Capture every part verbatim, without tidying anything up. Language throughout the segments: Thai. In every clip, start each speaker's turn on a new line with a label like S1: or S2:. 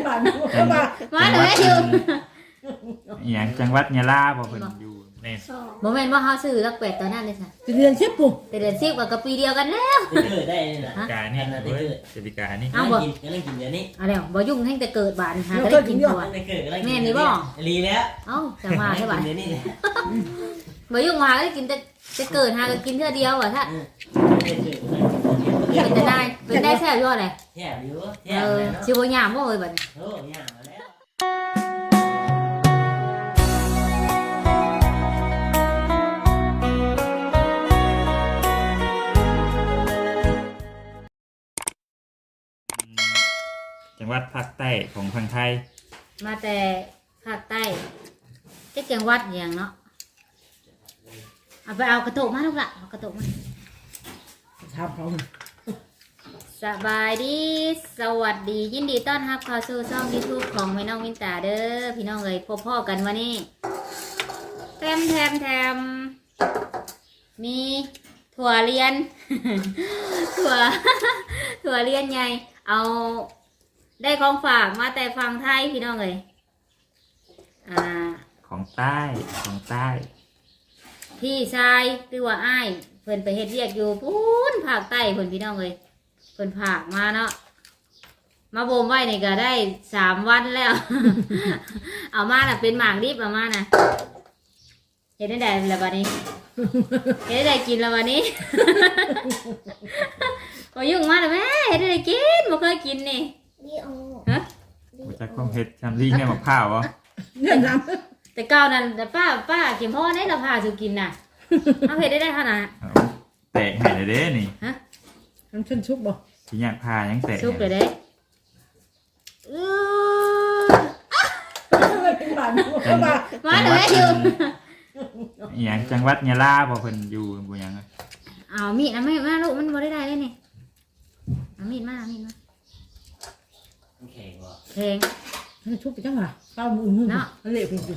S1: บ้านมา
S2: มาเลยอยู่
S3: อย่างจังหวัดยะลาบ่เพิ่นอยู่แม่น
S2: บ่แม่นว่าเฮาซื้อลักเป็ดตอนนั้นเลยค่ะ
S1: จะเรียนเชฟปุ๊
S2: แต่เดือนสิบก็ปีเดียวกันแล้ว
S4: เกิดได้นี่นะ
S3: กานี่เว้ยเจติกานี่
S4: เอาบ่กินกำลังกินเดี๋ยวนี้
S2: เอาแล้วบ่ยุ่งให้แต่เกิดบาดหาก็ได้กินตัว
S4: ได้เกิดกำลังกิน
S2: แม่นี่บ่
S4: รีแล้ว
S2: เอ้าจังว่าให้บาด
S4: เดี๋ยวนี้
S2: บ่ยุ่งหาก็ได้กินแต่แต่เกิดหาก็กินเทื่อเดียวอ่ะถ้า
S4: ได้เกิดกำลังกิน
S2: เป็นได้เป็นได้แซ่บยอดเลย
S4: แย่อยู่แย่
S2: เออ
S4: เนาะ
S2: สิบ่ยามบ่เอ้ยบัดนี้
S4: โอ้ยมาแล้ว
S3: จังหวัดภาคใต้ของทางไทย
S2: มาแต่ภาคใต้จักจังหวัดหยังเนาะเอาไปเอากระโตกมาลูกละเอากระโตกมา
S1: ทำเขา
S2: สบายดีสวัสดียินดีต้อนรับเข้าสู่ช่อง YouTube ของแม่น้องวินตาเด้อพี่น้องเอ้ยพบพ่อกันวันนี้แถมแถมแถมมีถั่วเรียน ถั่ว ถั่วเรียนใหญ่เอาได้ของฝากมาแต่ฝั่งไทยพี่น้องเอ้ยอ่า
S3: ของใต้ของใต้
S2: พี่ชายหรือว่าอ้ายเพิ่นไปเฮ็ดเวียกอยู่พูนภาคใต้เพิ่นพี่น้องเอ้ยเพิ่นผากมาเนาะมาบ่มไว้นี่ก็ได้สามวันแล้ว เอามาน่ะเป็นหมากดิบเอามาน่ะเฮ็ดได้ได้แล้วบัดนี้ เฮ็ดได้กินแล้วบัดนี้ ก็ยุ่งมาแล้วแม่เฮ็ดได้กินบ่เคยกินนี่ฮะ
S3: รู้จักความเผ็ดชำลีแม่มะพร้าวบ่
S1: เนี่ยน้
S2: แต่เก่านั้นแต่ป้าป้ากินพ่อได้เราพาสู่กินน่ะเอาเฮ็ดได้ได้ขนาด
S3: เอาแตกให้เลยเด้นี่
S2: ฮะ
S1: ำน้ำเช่นชุบบ่
S3: สิอยากพายังแตก
S2: ซุปเลยเด้อื้อ
S1: เป็นบ้านมา
S2: มาเลยอยู่
S3: อย่างจังหวัดยะลาบ่เพิ่นอยู่บ่หยังอะ
S2: เอามีดนะไม่มาลูกมันบ่ได้ได้เลยนี่เอามีดมาเอามีดมา
S4: แข็งว่ะ
S2: เพลง
S1: น้ำชุบไปจังหวะข้าวมือมือมันเละจริง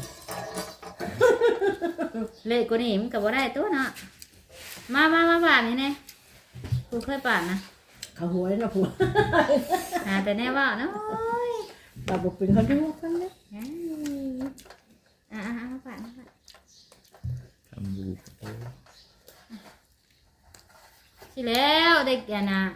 S2: เละกว่านี้มันก็บ่ได้ตัวเนาะมามามาบาดนี่แน่กูเคยปาดนะ
S1: ๆเขาหัวนะผัว
S2: หาแต่แน่ว่าเนาะ
S1: เราบอกเป็นเขาดูกันเลย
S2: อ่าอ่ามาปาดมาปาด
S3: ทำบูโอ้
S2: สิแล้วได้แก่น่ะ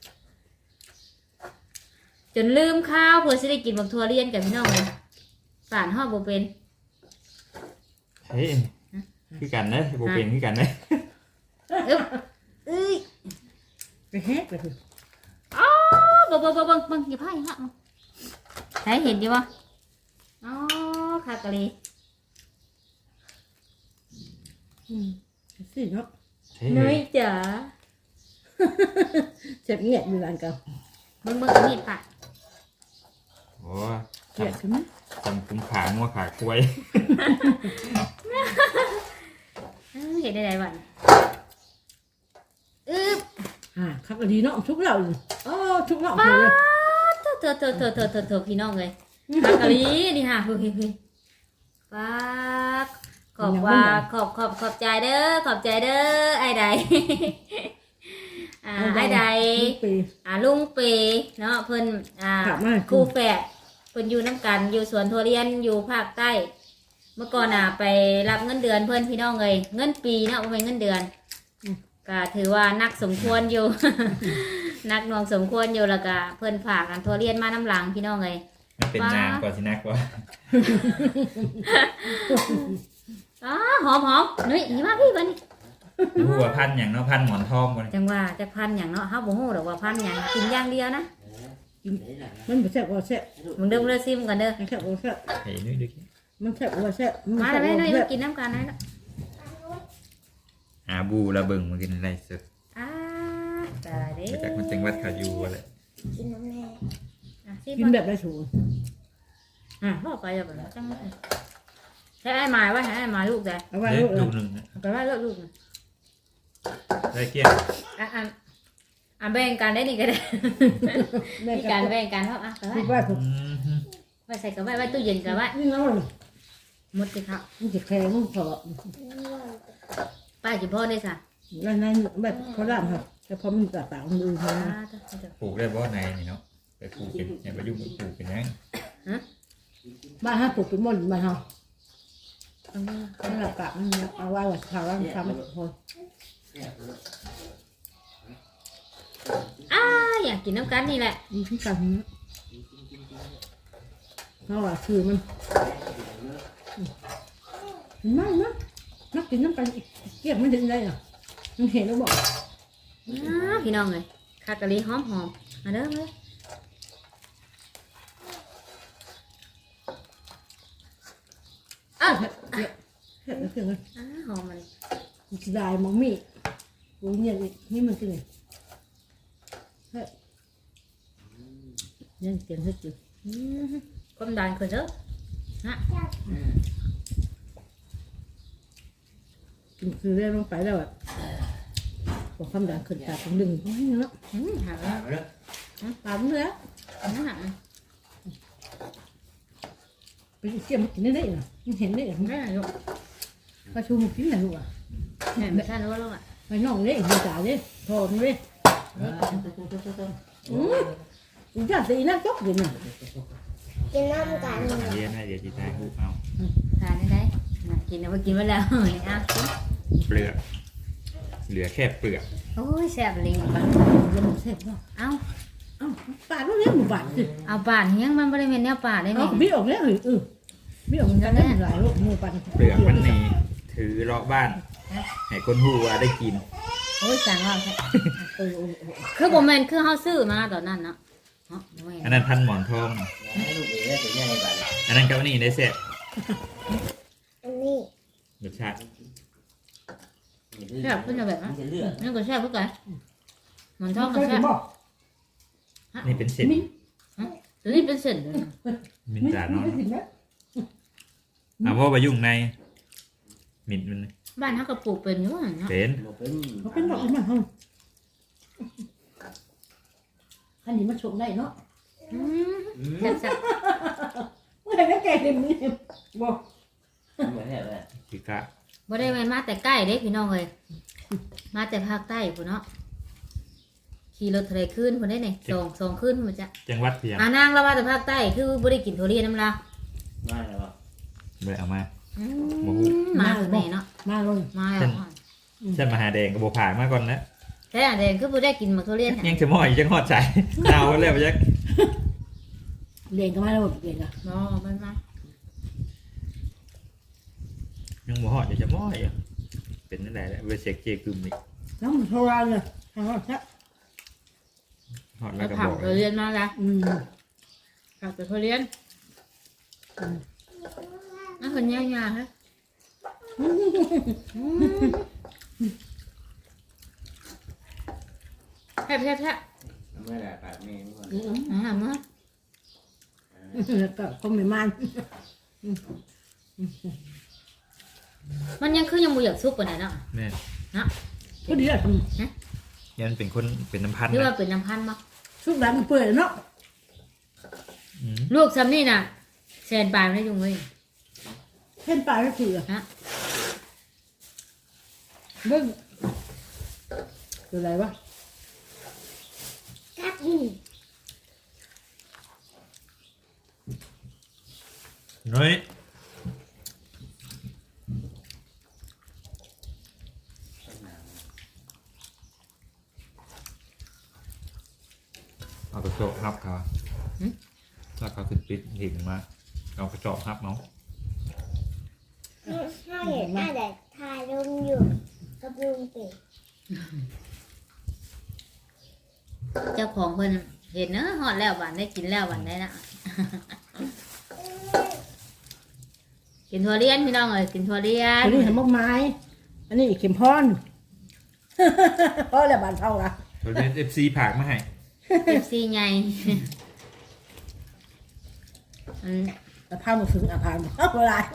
S2: จนลืมข้าวเพื่อสิได้กินบักทั่วเรียนกับพี่น้องเลยปาดฮอดบ่เป็น
S3: เฮ้ยคือกันเด้อบ่เป็นคือกันเด้อ
S2: อึ๊บเอ้ย
S1: ไปแฮกเลยคือ
S2: อ๋อบ่บ่บ่บ่บ่อย่าพลาดอย่าพลาดใครเห็นดิบ่อ๋อคากะลี
S1: สิเนาะ
S3: เฮ้ย
S2: น้อยจ๋า
S1: เจ็บเงียบอยู่ร้านเก่า
S2: เบิ่งเบิ่งอันนี้ปะ
S3: โอ้
S1: เกลียดใช่ไหม
S3: จำคุ้มขางัวขาควาย
S2: เอ้ยเห็นได้ไดบัดอึ๊บ
S1: อ่าคักดีเนาะชุบเราอ๋อชุบเรา
S2: ป๊า
S1: เลย
S2: ดเถอะเถอะเถอะเถอะเถอะเถอะพี่น้องเลยคากะลีนี่ฮะเฮ้ยเฮ้ยเฮ้ยป๊าดขอบว่าขอบขอบขอบใจเด้อขอบใจเด้อไอ้ใด อ่าไอ้ใด
S1: ปี
S2: อ่าลุงเปเนาะเพิ่นอ่า
S1: ครับมา
S2: ครูแฝดเพิ่นอยู่น้ำกันอยู่สวนทุเรียนอยู่ภาคใต้ เมื่อก่อนอ่ะไปรับเงินเดือนเพิ่นพี่น้องเลยเงินปีเนาะบ่แม่นเงินเดือนก็ถือว่านักสมควรอยู่ นักหน่วงสมควรอยู่แล้วก็เพิ่นฝากอันทุเรียนมาน้ำหลังพี่น้องเลย
S3: มันเป็นนางกว่าสินักว่า
S2: อ๋อหอมหอมนี่นี่มาพี่เพิ่นนี่
S3: รู้ว่าพันธุ์หยังเนาะพันธุ์หมอนทองบ่นี่
S2: จังว่าจะพันหยังเนาะเฮาบ่ฮู้ดอกว่าพันหยังกินอย่างเดียวนะ
S1: มันบ่แซ่บบ่แซ่บ
S2: มึงเด้อเด้อซิมกันเด้อ
S1: มันแซ่บบ่แซ่บ
S3: เฮ้ยนุ้ยดูกิ
S1: มันแซ่บบ่แซ่บ
S2: มาแล้วแม่น้อยมากินน้ำกันนะ
S3: หาบูระเบิงมากินอะไรสุด
S2: อ่าตายเด้
S3: มาจากมันจังหวัดเขาอยู่อะไร
S2: อ่ะซิม
S1: กินแบบได้สูง
S2: อ่ะพ่อไปแล้วแบบจังเลยใช้ไอ้หมายไว้ให้ไอ้หมายลูกแต่
S1: เอาไว้
S3: เฮ้ย
S1: ลูก
S3: ลูกหนึ่งนะ
S2: ไปไว้เลิกลูกนะ
S3: ได้เกี้ยง
S2: อ่ะอ่ะอ่ะแบ่งกันได้นี่ก็ได้
S1: แม่
S2: มี
S1: กั
S2: การ
S1: น
S2: แบ่งกันเพราะอ่ะไปไว้
S1: คิดว่าผม
S3: อืม
S2: ไว้ใส่กับไว้ไว้ตู้เย็นกับไว้
S1: นี่น้อง
S2: หมดสิครับ
S1: มันจะแข็งมันพอ
S2: ป้าจิพ่อได้ค่ะ
S1: นั่นนั่นแบบเขาด่านครับแต่พอมันตัดปากมันดู
S2: อ่า
S1: นะ
S2: เดี๋ยวเดี๋ยว
S3: ปลูกได้บ่ในนี่เนาะไปปลูกเป็นอย่าไปยุ่งกับปลูกเป็นหยัง
S1: บ้านห้าปลูกเป็นมอนบ้านเฮา
S2: เอามา
S1: สำหรับกะมันเอาไว้ว่าข่าวว่าทำให้คน
S2: อ้าอยากกินน้ำกันนี่แหละ
S1: ดีขึ้นกันนะเพราะว่าคือมันไม่นะนักกินน้ำกันเก็บมันถึงได้อ่ะมันเห็นแล้วบอก
S2: อ้าพี่น้องเลยคากะลีหอมหอมมาเด้อเลยอ้าว
S1: เห็ดเห็ดเห็ดแล้วคือไง
S2: อ้าหอมมัน
S1: จะได้มองมีกูเนี่ยนี่มันคือไงเฮ้ยยังเตียนเฮ็ดอยู่
S2: อืมความดันขึ้นเด้อฮะ
S1: กินคือเรื่องลงไปแล้วอ่ะบอกความดันขึ้นตาผมดึงไว้เนาะ
S2: อืมหา
S4: อ่ามาเด้อ
S1: ตามเลยอ่ะ
S2: อืมหา
S1: ไปเกี่ยมกินได้ได้เหรอมันเห็นได้เหรอ
S2: ไม่ได้ลูก
S1: ประชุมกินไหนลูกอ่ะ
S2: แม่ไม่ใช่รู้แล้วอ่ะ
S1: ไปน้องเล่นจ่าเล่นโทษเล่นอืมอีจ่าตีน่าจกอยู่น่ะ
S5: กินน้ำกัน
S3: เรียนให้เดี๋ยวจีตายหูเอา
S2: ทานได้ไหมน่ะกินเอาไปกินไว้แล้วเอากิน
S3: เปลือกเหลือแค่เปลือก
S2: โอ้ยแซ่บลิงปะ
S1: ยังหมดเสร็จแล้ว
S2: เอา
S1: เอ้าปาดแล้วเลี้ยงหมู่บ้านสิ
S2: เอาป่านเฮียงมันบริเวณแนวป่าได้ไหม
S1: เอ้าบี้ออกแล้วเหรอเออบี้ออกกันได้หลายลูกหมู่บ้าน
S3: เปลือกมันนี่ถือเลาะบ้านให้คนหูว่าได้กิน
S2: โอ้ยสั่งว่าแค่
S1: เออเออเออ
S2: คือบ่แม่นคือเฮาซื้อมาตอนนั้นเนาะเนาะบ่แม่น
S3: อันนั้นพันหมอนทอง
S4: ให้ลูกเอ๋ได้ตัวใหญ่บัดนี้
S3: อันนั้นกับอันนี่ได้เสร็จ
S5: อันนี้
S3: รสชาติ
S2: แซ่บขึ้นแบบ
S4: มั
S2: นั้น
S4: นจะเลือด
S2: นั่นก็แซ่บคือกันหมันท
S1: ช
S2: อ
S1: อง บ
S2: ก็
S1: กิ
S2: แซ่
S1: น
S2: บ
S1: บ่
S3: นี่เป็นเศษ
S2: ตัวนี้เป็นเส้นเลยนะ
S3: มินจานอน
S1: ไม่กินนะ
S3: เอาเพราะว่ายุ่งในมินมัน
S2: บ้านเฮาก็ปลูกเป็นอยู่ว่าเนาะ
S3: เป็น
S4: บ่เป็น
S1: เขาเป็นดอกมันเฮาอันนี้มาชมได้เนาะ
S2: อืม
S4: อืม
S2: แซ่บแซ่บ
S1: เมื่อไหร่ก็แก่เต็มนี่บ่
S4: เหมือนแบบว่า
S3: คือกะ
S2: บ่ได้แม่นมาแต่ใกล้เด้พี่น้องเอ้ยมาแต่ภาคใต้พุ่นเนาะขี่รถทะเลขึ้นพุ่นได้นี่สองสองขึ้นพุ่นจ้ะ
S3: จังหวัดเพียง
S2: อ่านางเรามาแต่ภาคใต้คือบ่ได้กินทุเรียนน้ำลา
S4: ไม่หรอก
S3: เลยเอามา
S2: อื
S3: บ่ฮู้
S2: มมาคือแม่เนาะ
S1: มาลง
S2: มาแล้ว
S3: เส้นมหาแดงกับโบผ่านมาก่อนนะ
S2: แท้แดงคือบ่ได้กินหมากทุเรียน
S3: ยังจะม้อยยังหอดใจเอาไว้แล้วไปยัก
S1: เรียนก็มาแล้วเรียนอ่ะ
S2: บ่มันมา
S3: ยังบ่หอดยังจะม้อยอ่ะเป็นนั่นแหละเวเซกเจกึมนี่
S1: น้ำมันโทรานเลยทางนั้นแค่
S3: หอดแล้
S2: แล้ว ว
S3: ก็
S2: ผั
S3: บ
S2: ก
S3: อก
S2: ทุเรียนมาละ
S1: อืม
S2: ผักทุเรียนนั่นคนย่างๆฮะแซ่บๆ
S4: ไม่ได้ปากแม่นี่ก่อน
S1: อืม
S2: ๆอ่ามา
S1: แล้วก็คงไม่มัน
S2: มันยังคือยังบ่อยากซุปปานใดเนาะ
S3: แม่
S1: ก็ดีอ่ะ
S3: ยันเป็นคนเป็นน้ำพัน
S2: หรือว่า
S3: นะ
S2: เป็นน้ำพันธุ์บ่
S1: ชุดแบบมันเปื่อยเนาะ
S3: อืม
S2: ลูกซ้ำนี่น่ะแสนปลายไม่ได้จุงเว้ย
S1: เส้นปลาก็คือ
S2: ฮะ
S1: เบิ้งคืออะไรวะ
S5: กับอืม
S3: น้อยเอากระจกฮับเขาถ้าเขาขึ้นปิดหินมาเอากระจกฮับเนาะ
S5: ถ้าเห็นหน้าแต่ทายลุงอยู่กับลุงเป็ด
S2: เจ้าของเพิ่นเห็นเนอะฮอดแล้วหวานได้กินแล้วหวานได้นะกินถั่วเลียนพี่น้องเอ้ยกินถั่วเลีย
S1: อั
S2: น
S1: นนี้เห็นมกไม้ อันนี้เข็มพอนเพราะอะไรบานเท่าละ
S3: เราเป็นเอฟซีผากมาให้
S2: เอฟซีใหญ่อืม
S1: แต่พามาถึงอาพานเอาเวลา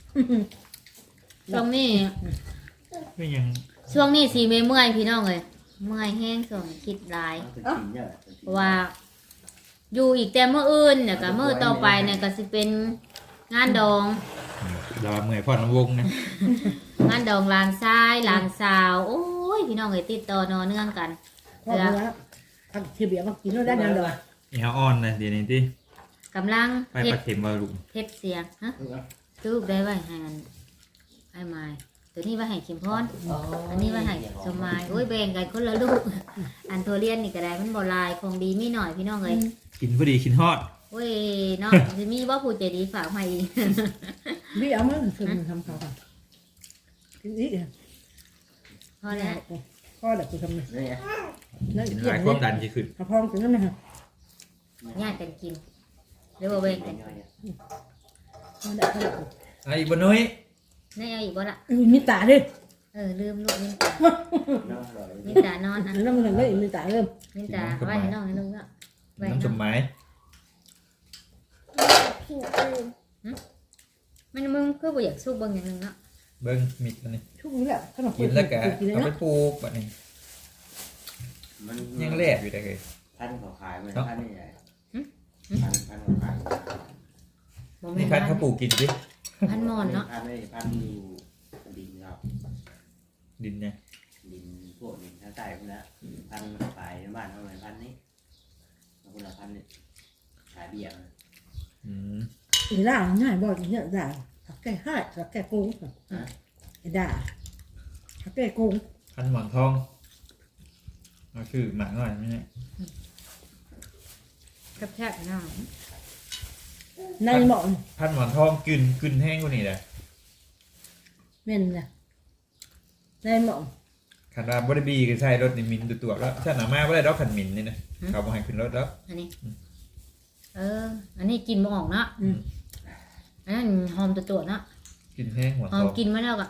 S2: ช่วงนี้
S3: ก็ยัง
S2: ช่วงนี้สีเมื่อยๆพี่น้องเอ้ยเมื่อยแห้งส่วนคิดหลาย
S4: เป็นจริงเนี่ย
S2: เพราะว่า อยู่อีกแต่เมื่ออื่นเนี่ยก็เมื่อต่อไปเนี่ยก็สิเป็นงานดอง
S3: เราเมื่อยพ่อน้ำวงนะ
S2: งานดองหลานชายหลานสาว โอ้ยพี่น้องเอ้ยติดต่อนอเนื่องกัน
S1: พอเวลาทำทีเบียร์มากินแล้วได้ยังเดียว
S3: อีฮาออนนะเดี๋ยวนี้ที่
S2: กำลัง
S3: ไม่
S2: เฮ็
S3: ป
S2: ด
S3: ลาเค็มมาลุง
S2: เฮ็ดเสียงฮะรูปได้ไว้ให้อันไอ้ไม้ตัวนี้ไว้ให้คิมพรอันนี้ไว้ให้สมายโอ้ยแบ่งกันคนละลูกอันตัวเรียนนี่ก็ได้มันบ่ลายคงดีมีหน่อยพี่น้องเอ้ย
S3: กินพอดีกินฮอด
S2: โอ้ยเนาะสิมีบ่ผู้ใจดีฝากมาอีก
S1: พี่เอามาคือมันทำเขาค่ะกินอีก
S2: พอแล้ว
S1: พ่อเด็กกูทำเลย
S4: นี่ไง
S1: นั่น
S3: กิน
S1: เกี่
S3: ห
S1: ย
S3: ลายว ความดันจะขึ้น
S1: เอาพร้อมกินนั่นไหมครับ
S2: ญาติกันกินหรือว่าแบ่งกัน
S1: พ่อเด็กพ่อเด็ก
S3: ไอ้บนน้อย
S2: ได้เอาอีกบ่ล่ะ
S1: อือมีตาด้วย
S2: เออลืมลูกมินตา
S4: น้องอร่อย
S2: มินตานอนนะ
S1: แล้วมันก็มีตาเริ่ม
S2: มินตาไว้ให้น้องให้ลุงเนาะไว้ให้
S3: น้ำส
S2: น้อง
S3: มัย
S5: ผิวอื่น
S2: มันมึงคือบ่อยากสู้เบิ่งอย่างหนึงเนาะ
S3: เบิ้งมิดอันนี้
S1: ทุกนี้แหละขนม
S3: กินแล้วก็
S1: กินเลย
S3: เอาไป
S1: นะ
S3: ปลูกแบบนี้
S4: มัน
S3: ยังแรกอยู่ได้เลย
S4: พันเขาขายมันพันนี่ใหญ่
S2: หึ
S4: พันพันเขาขาย
S2: บ่
S3: นี่
S2: แม่น
S3: พันเขาปลูกกินดิ
S2: พันมอนเนาะ
S4: พันไม่พันอยู่ดินครับ
S3: ดินเนี่ย
S4: ดินพวกดินทางใต้พวกนั้นพันเขาขายในบ้านเขาเลยพันนี้คนละพันนี่ขายเบี้ยมัน
S3: อืม
S1: อีด่าง่ายบอกอย่างเงี้ยด่าถักแก่ห้าถักแก่โกงไอ้ด่าถักแก่โกง
S3: พันหมอนทองเอาชื่อหมาหน่อยไม่ใช่
S2: แคบๆเนาะ
S1: ในหมอน
S3: พันหมอนทองกึนกึนแห้งกว่านี้เลย
S1: เม่นนะในหมอน
S3: ขันว่าบริบีก็ใช่รถนี่มินตัวตัวแล้วถ้าหนามาไม่ได้ดอกขันมินนี่นะเขาบอกให้ขึ้นรถแล้ว
S2: อันนี้เอออันนี้กินบ่ออกเนาะอันนั้นหอมตัวๆเนาะ
S3: กินแห้งหมอน
S2: หอ
S3: ท
S2: ม
S3: อง
S2: กินมาแล้วก็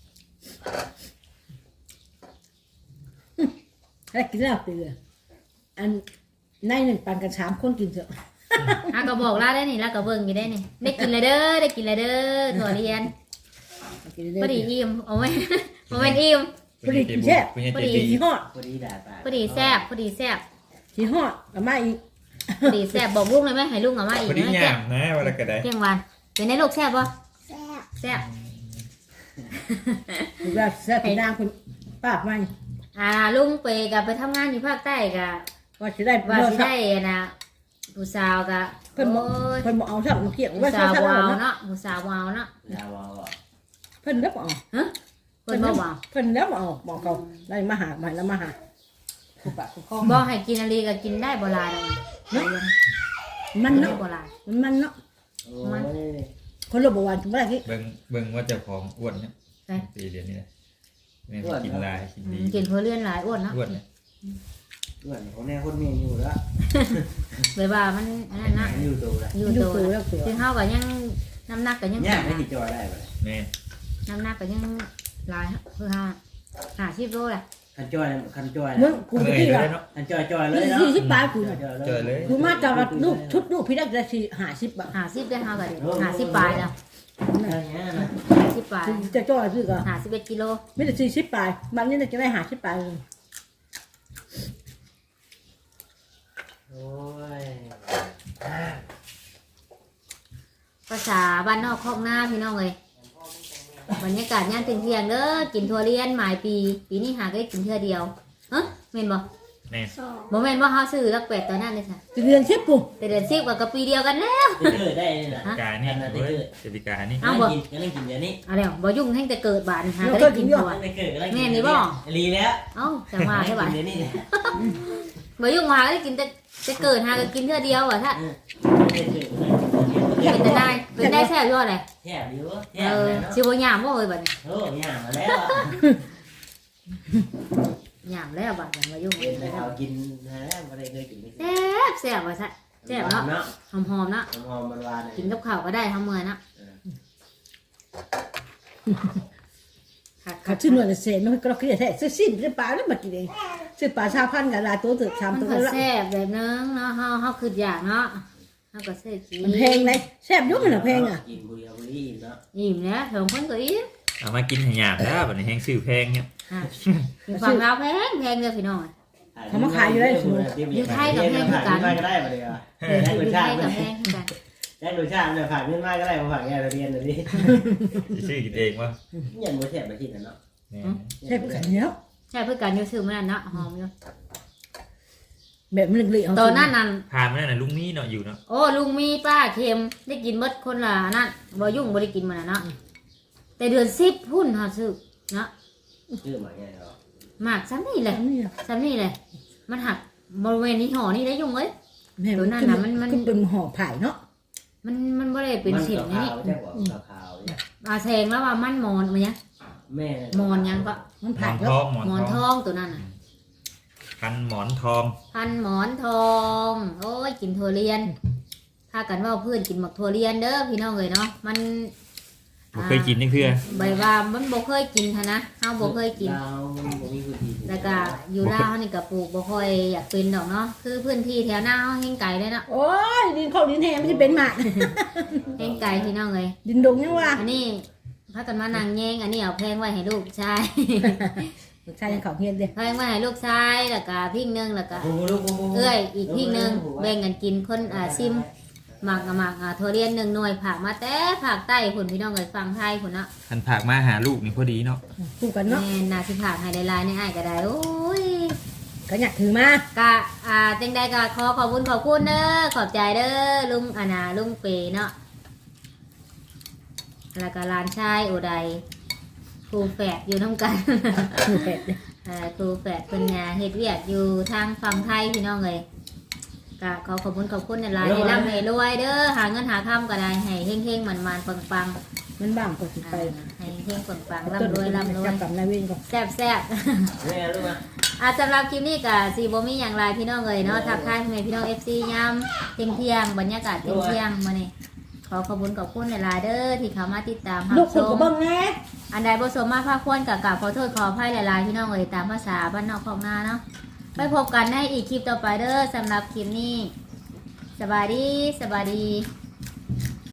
S1: แล้วกินแล้วเตืออันในหนึ่งปันกันสามคนกินเถอะ
S2: อ่ะก็บอกลาได้นี่แล้วก็เบิ่งอยู่ได้นี่ได้กินเลยเด้อได้กินเลยเด้อถั่วเรียน
S1: กิน
S2: พอดีอิ่มเอาไว้เอาไว้อิ่ม
S1: พอดีกินแซ่บ
S3: คุณยาย
S2: พอ
S3: เจ
S2: ดี
S3: ดี
S1: ที่หอด
S4: พอดีด่าตา
S2: พอดีแซ่บพอดีแซ่บ
S1: ที่หอดเอามาอีก
S2: พอดีแซ่บบอกลูกเลยไหมให้ลูกเอามาอีก
S3: พอดี
S2: นะ
S3: หยามนะเวลากระได
S2: เที่ยงวันเป็นไงลูกแซ่บป่ะ
S5: แซ่บ
S2: แซ่บ
S1: ถูกแล้วแซ่บไปนางคุณป้าบมัน
S2: อ่าลุงไปกับไปทำงานอยู่ภาคใต้กับ
S1: ว่าจะได้
S2: ว่า
S1: เลิ
S2: สิ
S1: ก
S2: ได้นะผู้สาวกับ
S1: เพิ่นบอก
S2: โอ้ย
S1: เพิ่นบอกเอาสักมาเกี่ยง
S2: ผู้
S1: ว่า
S2: สา
S1: เช้าว เช้าว
S2: าว
S1: เนาะ
S2: เนาะผู้สาววาวเนาะ
S4: ดาวอ่ะ
S1: เพิ่นแล้วบอก
S2: เพิ่นบ่วาว
S1: เพิ่นแล้วบอกบอกเขาได้มาหาใหม่แล้วมาหาคู่ปากคู่คอ
S2: บ่ให้กินอะไรก็กินได้บ่หลายดอกนะ
S1: มัน
S2: ได้
S1: เนาะ
S2: บ่หลาย
S1: มันมันเนาะ
S4: โอ้ย
S1: คนเราบอกว่าถึงเมื่อไหร่ที่
S3: เบิ่งเบิ่งว่าเจ้าของอ้วนเนี่ย
S2: ใช่
S3: ตีเรียนนี่แหละแม่งกินลายกิน
S2: อื
S3: ดี
S2: มกินเพื่อเลื่อนหลายอ้วนเนาะ
S3: อ้วนเนี่ย
S4: เพื่อนเขาแน่คนเมียอยู่แล้ว
S2: เลยว่ามันอันนั้นนะ
S4: อยู่ตัวละ
S2: อยู่
S1: ดู
S2: ตัว
S1: ตัวแล้วตัว
S2: ซึ่งเฮาก็ยังน้ำหนักก็ยัง
S4: เนี่ยไม่ติดจอยได้เลย
S3: แม่
S2: น้ำหนักก็ยังหลายคือห้าห้าสิบโลแหละ
S4: คันจอยคันจอย
S1: มึงกู
S3: เหนื่อย
S1: ที่
S3: เล
S1: ละ
S3: ยเนาะ
S4: คันจอยจอยเลยเนาะ
S1: สี่สิบบาทกู
S3: เจอเลย
S1: กูมาจากลูกชุดลูกพี่ได้จะสี่ห้าสิบบาท
S2: ห้าสิบได้เฮาก็ได้ห้าสิบปลายแล้ว
S4: อะไรเงี้ยนะ
S2: ห้าสิบปลาย
S1: จะจ่อยซื้อก็
S2: ห้าสิบเอ็ดกิโล
S1: ไม่ได้สี่สิบปลายมันนี่จะได้ห้าสิบปลาย
S4: โอ้ย
S2: ภาษาบ้านนอกคอกหน้าพี่น้องเลยบรรยากาศย่านเที่ยงๆเด้อกินทัวเรียนหมายปี ปีนี้หาก็ได้กินเทื่อเดียวเฮ้ยแม่นบ่
S3: แม่
S5: สอง
S2: บ่แม่นบ่เฮาซื้อลักเป็ดตอนนั้นเลยค่ะ
S1: จะเรียนเชฟกู
S2: แต่เดือนสิบกับปีเดียวกันแล้ว
S4: ติดเกิดได้เลยนะ
S3: กานี่เฮ้ยเจดีกานี่
S2: เอาบ่
S4: กินก็ต้องกินเดี๋ยวนี้
S2: เอาแล้วบ่ยุ่งแห่งแต่เกิดบาดหาก็ได้กินตัว
S4: ไม่เกิดก็ต้องกิน
S2: แม่นี่บ่
S4: รีแล้ว
S2: เอ้าจังว่าใช่บ่
S4: เดี๋ยวนี้
S2: บ่ยุ่งหาก็ได้กินแต่แต่เกิดหาก็กินเทื่อเดียวอ่ะถ้า
S4: เกิด
S2: เป็นได้เป็นได้แซ่บยอดเลย
S4: แช่ดิวแช่
S2: เออ
S4: เนาะ
S2: สิบ่ยามบ่เอ้ยบัดนี้
S4: โอ้ยอย่างมาแล้ว
S2: ยามแล้วบัดนี้บ่ยุ่ง
S4: เป็นแต่เขากินแล้วไม่ได้เคยกินไม่
S2: แซ่บแซ่บว่าซะแซ่บเนาะ
S4: เนาะ
S2: หอมๆเนาะ
S4: หอมมันหวาน
S2: กินกับข้าวก็ได้ทั้งมื้อเนาะ
S1: ขาชื่อหน่วยเศษมันก็เราคิดแท้ซื้อสิ้นซื้อปลาแล้วมากินเองซื้อปลาชาพันกับลายตัวเถื่อนชาม
S2: มัน
S1: ตัว
S2: ก็
S1: ละ
S2: แซ่บแบบนึงเนาะเฮาเฮาคืออยากเนาะเฮาก็ซื้อกิน
S1: มันแพงเลยแซ่บยุ่งมันแพงอ่ะ
S4: กินบุรีบุรีเนาะ
S2: อิ่มแล้วสองคนก็อิ่ม
S3: เอามากินให้หยาบแล้วบัดนี้แห้งซื้อแพงเนี่ย
S2: อ่ะอยู่ฝั่งลาวแพงแพงเด้อพี่น้อง
S4: อยู่ไทยกับแพงกันก็ได้มาเลยอ่ะ
S2: เอออยู่ไทยกับแพงคือกัน
S4: ได้รสชาติเนี่ยผ่านเงินมากก็ได้มาผ่านแง่เรียนเลยดิ
S3: จะซื้อกินเองวะ
S4: ยันโมเสสมาที่นั่นเนาะ
S3: แม่
S1: แซ่บกันเนี้ย
S2: ใช่เพื่อกันอยู่ซื้อมื้อนั้นเนาะหอมอยู่
S3: เออ
S4: เออได้รสชาติเนี่ยผ่านเงินมากก็ได้มาเลยอ่ะ
S2: ใช่เพื่อกันอยู่ซื้อมื้อนั้นเนาะ
S1: แซ่บ
S2: หอมอยู่
S1: แบบมันเหลืองๆ
S2: ตอนนั้นนั่น
S3: ผ่านมาแล้วนะลุงนี่เนาะอยู่เนาะ
S2: โอ้ลุงมีป้าเค็มได้กินเบิดคนละนั่นบ่ยุ่งบ่ได้กินมันน่ะเนาะแต่เดือนสิบพุ่นเฮาซื้อเนาะ
S4: ชื่อหมาไงเหรอ
S2: หมากซ้ำนี่แห
S1: แบ
S2: ละ
S1: บนี้อะ
S2: ซ้ำนี่แหละมันหักบริเวณนี้ห่อนี่ได้ยุ่งเอ้ย
S1: แม่
S2: ตัวนั้นน่ะมันมัน
S1: ขึ้เป็นห่อไผ่เนาะ
S2: มันมันบ่ได้เป็นเสียงนี่
S4: ขาวๆใช่ป่ะขาวๆเนี่ย
S2: อาแซงแล้วว่ามันมอนมันยัง
S4: แม่
S2: มอนยังก็
S1: มัน
S3: หม
S1: ไผ่
S3: อนท
S1: เนาะ
S3: องหมอน
S2: หมอน
S3: ท
S2: ท
S3: อง
S2: องตัวนั้นน่ะ
S3: กันหมอนทอง
S2: พันหมอนทอง โอ้ยกินถั่วเรียนพากันว่าเพื่อนกินหมักถั่วเรียนเด้อพี่น้องเอ้ยเนาะมัน
S3: บ่เคยกินนี่เพื่อ
S2: ใบว่ามันบ่เคยกินหั้นนะเฮาบ่เคยกิน
S4: ดาวบ่มีพื้นที่
S2: แล้วก็อยู่ลาวนี่ก็ปลูกบ่ค่อยอยากเป็นดอกเนาะคือพื้นที่แถวหน้าเฮาแห้งไกลเลยเนาะ
S1: โอ้ยดินเข้าดินแห้งไม่ใช่เป็นหมาก
S2: แห้งไกลพี่น้องเอ้ย
S1: ดินดงยังว่า
S2: อันนี้พากันมานั่งแย่งอันนี้เอาแพงไว้ให้ลูกชาย
S1: ลูกชายยังเขาเฮียนเด้
S2: แพงไว้ให้ลูกชายแล้วก็พิงหนึงแล้วก็
S4: โอ้โหลูกโโห
S2: เอ้ยอีกพิงหนึงแบ่งกันกินคนอ่าซิมหมักกับหมักอ่าถั่วเรียนหนึ่งหน่วยผักมาแต่ผักใต้พุ่นพี่น้องเอ้ยฟังไทยพุ่นเนาะ
S3: หันผักมาหาลูกนี่พอดีเนาะ
S1: คู่กันเนาะ
S2: แม่น่าสิผักให้หลายๆในอ้ายก็ได้โอ้ย
S1: ก็อยากถือมาก
S2: ะอ่าจังใดก็ขอขอบคุณขอบคุณเด้อขอบใจเด้อลุงอานาลุงเปเนาะแล้วก็หลานชายโอไดครูแฝดอยู่น้ำกัน
S1: คู่แปดเลย
S2: เอ่อครูแฝดเป็นงานเฮ็ดเวียกอยู่ทางฝั่งไทยพี่น้องเลยก็ขอขอบคุณขอบคุณในไลน์ให้ร่ำให้รวยเด้อหาเงินหาค่ำก็ได้ให้เฮงๆมันมันๆปัง
S1: มันบ้างก็สิ
S2: ๆ
S1: ไป
S2: อ่าให้เฮงๆปังๆร่ำรวยร่ำรวย
S1: จับกับนายเวรก่อน
S2: แซ่บแซ่บ
S4: แม่รู้ไหม
S2: อ่ะสำหรับคลิปนี้ก็สีบ่มีอย่างไรพี่น้องเลยเนาะทักทายพ่อแม่พี่น้อง เอฟ ซี ยามเที่ยงเที่ยงๆบรรยากาศเที่ยงเที่ยงๆมานี่ขอขอบคุณขอบคุณหลายๆเด้อที่เข้ามาติดตามรับ
S1: ลูก
S2: ช
S1: คนก็
S2: ม
S1: เบิ่งแน่
S2: อันใดบ่สมมาภาคควรกับกราบขอโทษขออภัยหลายๆพี่น้องเอ่ยตามภาษาบ้านนอกของนาเนาะไปพบกันในอีกคลิปต่อไปเด้อสำหรับคลิปนี้สบายดีสบายดี